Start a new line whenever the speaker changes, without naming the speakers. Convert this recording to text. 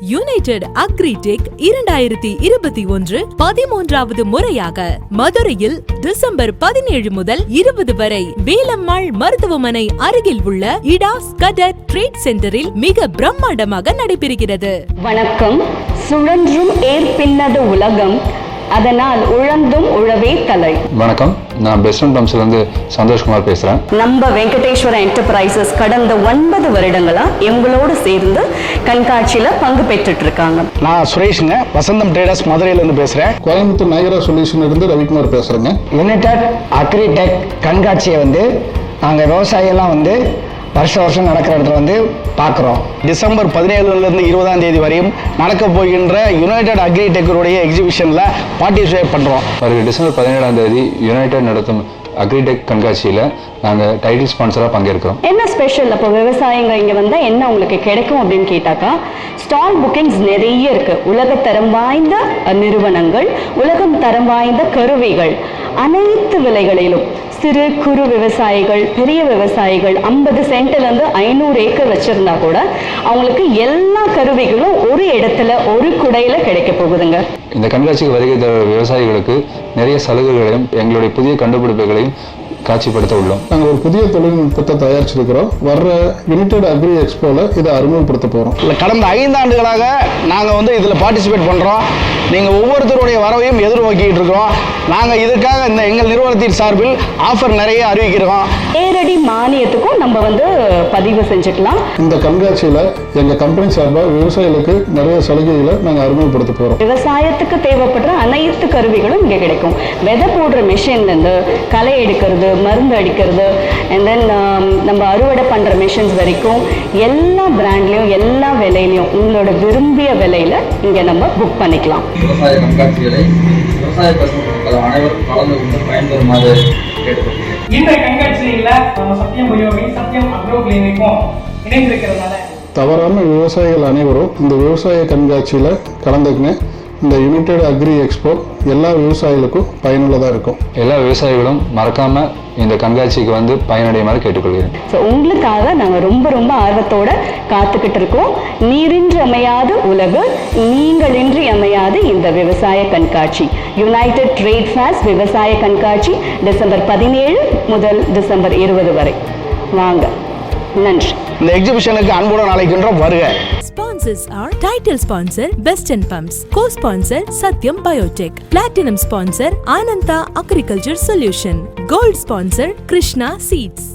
United agritech 2021 13வது முறையாக மதுரையில் December 17 முதல் 20 வரை வேலம்மாள் மருத்துவமனை அருகில் உள்ள இடாஸ் கடட் ட்ரேட் சென்டரில் மிக பிரம்மாண்டமாக நடைபெறுகிறது.
வணக்கம். சுழன்றும் ஏற்பின்னது உலகம், அதனால் உழந்தும் உழவே தலை.
வணக்கம், நான் பெஸ்டன் பம்ப்ஸ்ல இருந்து சந்தோஷ்குமார் பேசுறேன்.
நம்ம வெங்கடேஸ்வர என்டர்பிரைசஸ் கடந்த 9 வருடங்களா எங்களோடு சேர்ந்து கண்காட்சியில பங்கு பெற்றுட்டு இருக்காங்க.
நான் சுரேஷுங்க, வசந்தம் ட்ரேடர்ஸ் மதுரையில இருந்து பேசுறேன்.
கோயம்புத்தூர் நயரா சொல்யூஷன்ல இருந்து ரவிக்குமார் பேசுறேங்க.
யுனைடெட் அக்ரிடெக் கண்காட்சியை நாங்கள் விவசாயியெல்லாம் வருஷம் நடக்கிற இடத்துல பார்க்குறோம்.
டிசம்பர் 17 20ஆம் தேதி வரையும் நடக்க போகின்ற யுனைடெட் அக்ரிடெக்குடைய எக்ஸிபிஷனில் பார்ட்டிசிபேட் பண்ணுறோம்.
வருகிற டிசம்பர் 17ஆம் தேதி யுனைடெட் நடத்தும் அக்ரிடெக் கண்காட்சியில் நாங்கள் டைட்டில் ஸ்பான்சராக பங்கேற்கிறோம்.
என்ன ஸ்பெஷல்? அப்போ விவசாயிங்க இங்கே வந்தால் என்ன உங்களுக்கு கிடைக்கும் அப்படின்னு கேட்டாக்கா, ஸ்டால் புக்கிங்ஸ் நிறைய இருக்குது. உலகத்தரம் வாய்ந்த நிறுவனங்கள், உலகம் தரம் வாய்ந்த கருவிகள், அனைத்து விலைகளிலும் சிறு குறு விவசாயிகள், பெரிய விவசாயிகள் 50 சென்ட்லேருந்து 500 ஏக்கர் வச்சுருந்தா கூட அவங்களுக்கு எல்லா கருவிகளும் ஒரு இடத்துல ஒரு குடையில் கிடைக்க போகுதுங்க.
இந்த கண்காட்சிக்கு வருகை தர விவசாயிகளுக்கு நிறைய சலுகைகளையும் எங்களுடைய புதிய கண்டுபிடிப்புகளையும் காட்சிப்படுத்த உள்ளோம்.
நாங்கள் ஒரு புதிய தொழில்நுட்பத்தை தயாரிச்சிருக்கிறோம். வர்ற யுனைடெட் அக்ரி எக்ஸ்போல இதை அறிமுகப்படுத்த போகிறோம்.
கடந்த 5 ஆண்டுகளாக நாங்கள் இதில் பார்ட்டிசிபேட் பண்ணுறோம். நீங்கள் ஒவ்வொருத்தருடைய வரவையும் எதிர்நோக்கிட்டு இருக்கிறோம். நாங்கள் இதற்காக எங்கள் நிறுவனத்தின் சார்பில் ஆஃபர் நிறைய அறிவிக்கிறோம்.
நேரடி மானியத்துக்கும் நம்ம பதிவு செஞ்சுக்கலாம்.
இந்த கண்காட்சியில் எங்கள் கம்பெனி சார்பாக விவசாயிகளுக்கு நிறைய சலுகைகளை நாங்கள் அறிமுகப்படுத்த போகிறோம்.
விவசாயத்துக்கு தேவைப்படுற அனைத்து கருவிகளும் இங்கே கிடைக்கும். விதை போடுற மிஷின்லேருந்து களை எடுக்கிறது, மருந்து அடிக்கிறது, அண்ட் தென் நம்ம அறுவடை பண்ணுற மிஷின்ஸ் வரைக்கும் எல்லா பிராண்ட்லேயும் எல்லா விலையிலையும் உங்களோட விரும்பிய விலையில் இங்கே நம்ம புக் பண்ணிக்கலாம்.
விவசாய கண்காட்சிகளை விவசாய மக்கள் அனைவரும் கலந்து கொண்டு பயன்பெறுமாறு கேட்டுக்கொள்கிறேன்.
இந்த கண்காட்சியில் நம்ம சத்தியம் பயோவை சத்தியம் அக்ரோ கிளினிக்கும் இணைந்திருக்கிறதுனால
தவறான விவசாயிகள் அனைவரும் இந்த விவசாய கண்காட்சியில் கலந்துக்குங்க. இந்த யுனைடெட் அக்ரி எக்ஸ்போ எல்லா விவசாயிகளுக்கும் பயனுள்ளதாக இருக்கும்.
எல்லா விவசாயிகளும் மறக்காமல் இந்த கண்காட்சிக்கு பயனடையுமாறு கேட்டுக்கொள்கிறேன்.
ஸோ உங்களுக்காக நாங்கள் ரொம்ப ஆர்வத்தோட காத்துக்கிட்டு இருக்கோம். நீரின்றி அமையாத உலகு, நீங்களின்றி அமையாது இந்த விவசாய கண்காட்சி. யுனைடெட் ட்ரேட் ஃபேர்ஸ் விவசாய கண்காட்சி டிசம்பர் 17 முதல் டிசம்பர் 20 வரை. வாங்க. நன்றி.
இந்த எக்ஸிபிஷனுக்கு அன்புடன் அழைக்கின்றோம், வருக.
Sponsors are title sponsor Beston Pumps, co-sponsor Satyam Biotech, platinum sponsor Ananta Agriculture Solution, gold sponsor Krishna Seeds.